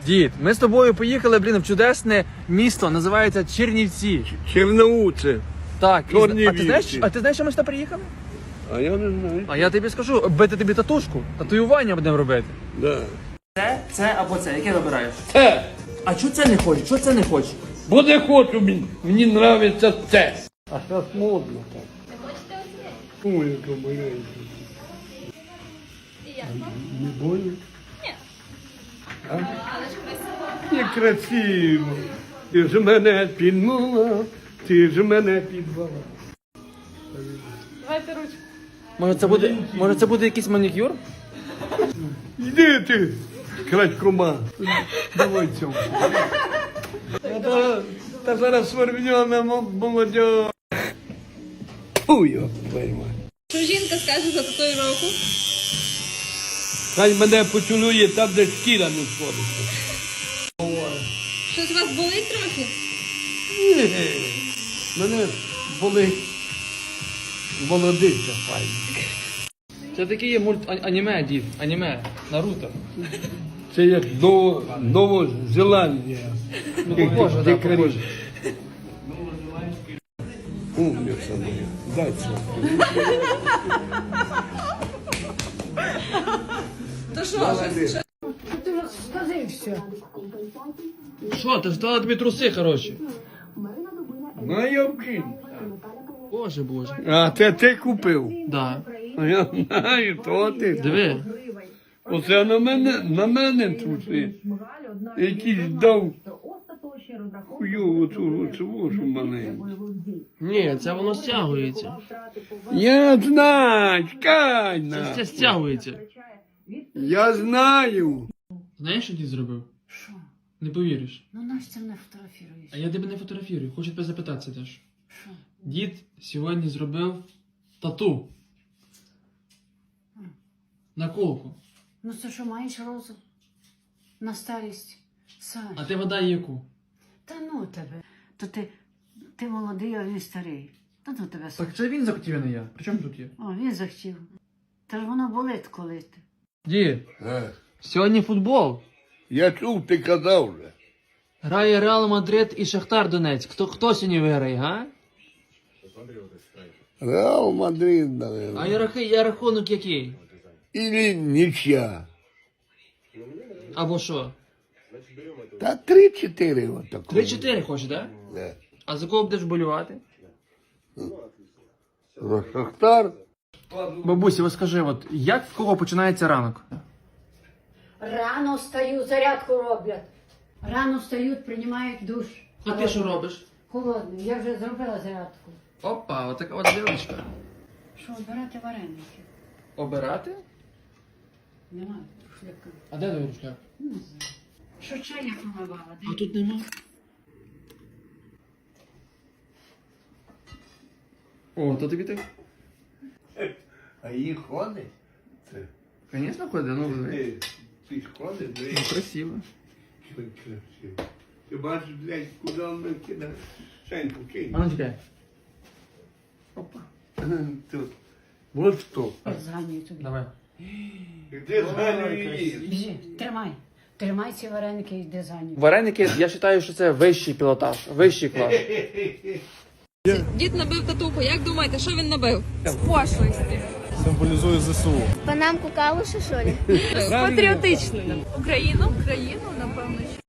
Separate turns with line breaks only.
Дід, ми з тобою поїхали, в чудесне місто, називається Чернівці.
Черноуце.
Так,
Чернівці.
а ти знаєш, що ми сюди приїхали?
А я не знаю.
А я тобі скажу, бити тобі татушку, татуювання будемо робити.
Да.
Це або це, яке вибираєш?
Це.
А чого це не хочеш? Чого це не хочеш?
Бо не хочу, мені нравиться це. А зараз модно так.
Не хочете оце?
Ой, яка маленька.
І як?
Не больно?
Ні.
А?
Але ж красиво.
Некрасиво. Ти ж мене підмала, ти ж мене підвала.
Давайте ручку.
Може це буде якийсь манікюр?
Йди ти, крадькома. Давай цьому. Та зараз свербньона молодь. Фу, його пойма.
Що жінка скаже за татуїровку?
Хай мене поцілує там, де шкіра не сходиться.
Щось у вас болить трохи?
Ні, мене болить молодиця файна.
Це такий є аніме, дід, аніме, Наруто.
Це як Новозеландія.
Похоже, да, похоже.
Умниця моя. Дай це.
То що?
Що, ти ж дала тобі труси, хороші?
Майовки.
Боже.
А це ти купив?
Да.
А я знаю, то ти.
Диви.
Оце на мене труси. Якийсь дав хуйову цю маленьку.
Ні, це воно стягується.
Я знаю, чекай на.
Це стягується.
Я знаю.
Знаєш, що дід зробив?
Що?
Не повіриш.
Ну Настя не фотографіруєш.
А я тебе не фотографірую, хочу тебе запитатися теж.
Що?
Дід сьогодні зробив тату. На колку.
Ну це що, маєш розум? На старість? Саш.
А ти вода яку?
Та ну тебе. То ти молодий, а він старий. Та ну тебе, Саш.
Так це він захотів, а не я. При чому тут є?
О, він захотів. Та ж воно болить коли ти.
Дід, сьогодні футбол.
Я чув, ти казав вже.
Грає Реал Мадрид і Шахтар Донецьк. Хто сьогодні виграє, га?
Реал Мадрид, наверное.
А рахунок який?
Или нічя.
Або що?
Та 3-4 отако.
3-4 хочеш, так?
Да.
А за кого будеш болювати?
За Шахтар.
Бабусі, ось скажи, от як в кого починається ранок?
Рано встаю, зарядку роблять. Рано встають, приймають душ.
А ти що робиш?
Холодний. Я вже зробила зарядку.
Опа, отака от дівчинка.
Що, обирати вареники?
Обирати?
Немає шляка.
А де твій рушляк?
Не знаю. Що чай я помивала?
А тут нема. О, то тобі так?
А її ходить? Це.
Звісно, ходить, ну диви.
Ти ж ходиш,
Ну, красиво.
красиво. Ти бачиш, блядь, куди вона кидає? Шеньку кинь.
А ну чекай. Опа.
Тут. Вот що.
Зганюю тобі.
Давай.
Де зганює її?
Біжи, тримай. Тримай ці вареники і йди за ним.
Вареники, я вважаю, що це вищий пілотаж, вищий клас.
Дід набив татуху. Як думаєте, що він набив? З пошлості.
Символізує ЗСУ.
Панамку калуші, що ли?
Патріотичною. Україну, напевно, що.